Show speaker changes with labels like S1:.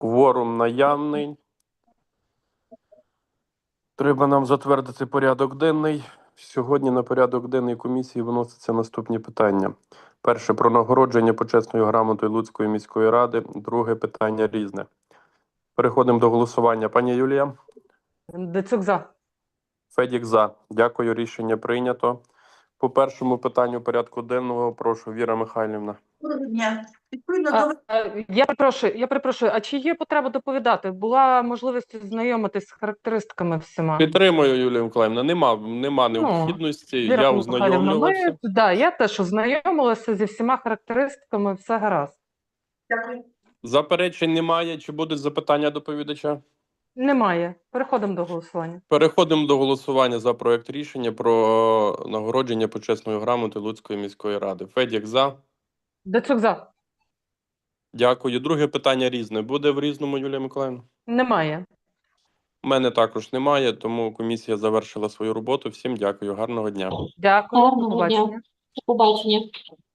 S1: Кворум наявний. Треба нам затвердити порядок денний. Сьогодні на порядок денний комісії виносяться наступні питання. Перше – про нагородження почесною грамотою Луцької міської ради. Друге питання – різне. Переходимо до голосування. Пані Юлія?
S2: Дацюк за.
S1: Федік за. Дякую, рішення прийнято. По першому питанню порядку денного прошу, Віра Михайлівна.
S3: Доброго дня. Відповідно до
S2: Я перепрошую, а чи є потреба доповідати? Була можливість знайомитись з характеристиками всіма?
S1: Підтримую, Юлія Миколаївна. Нема необхідності.
S2: Віра
S1: Я
S2: Михайлівна,
S1: ознайомлювався.
S2: я теж ознайомилася зі всіма характеристиками, все гаразд.
S3: Дякую.
S1: Заперечень немає. Чи будуть запитання доповідача?
S2: Немає. Переходимо до голосування.
S1: Переходимо до голосування за проект рішення про нагородження почесною грамотою Луцької міської ради. Федік за.
S2: Дацюк за.
S1: Дякую. Друге питання різне. Буде в різному, Юлія Миколаївна?
S2: Немає.
S1: У мене також немає, тому комісія завершила свою роботу. Всім дякую. Гарного дня.
S2: Дякую. До
S4: Гарного дня.
S2: побачення.
S4: До побачення.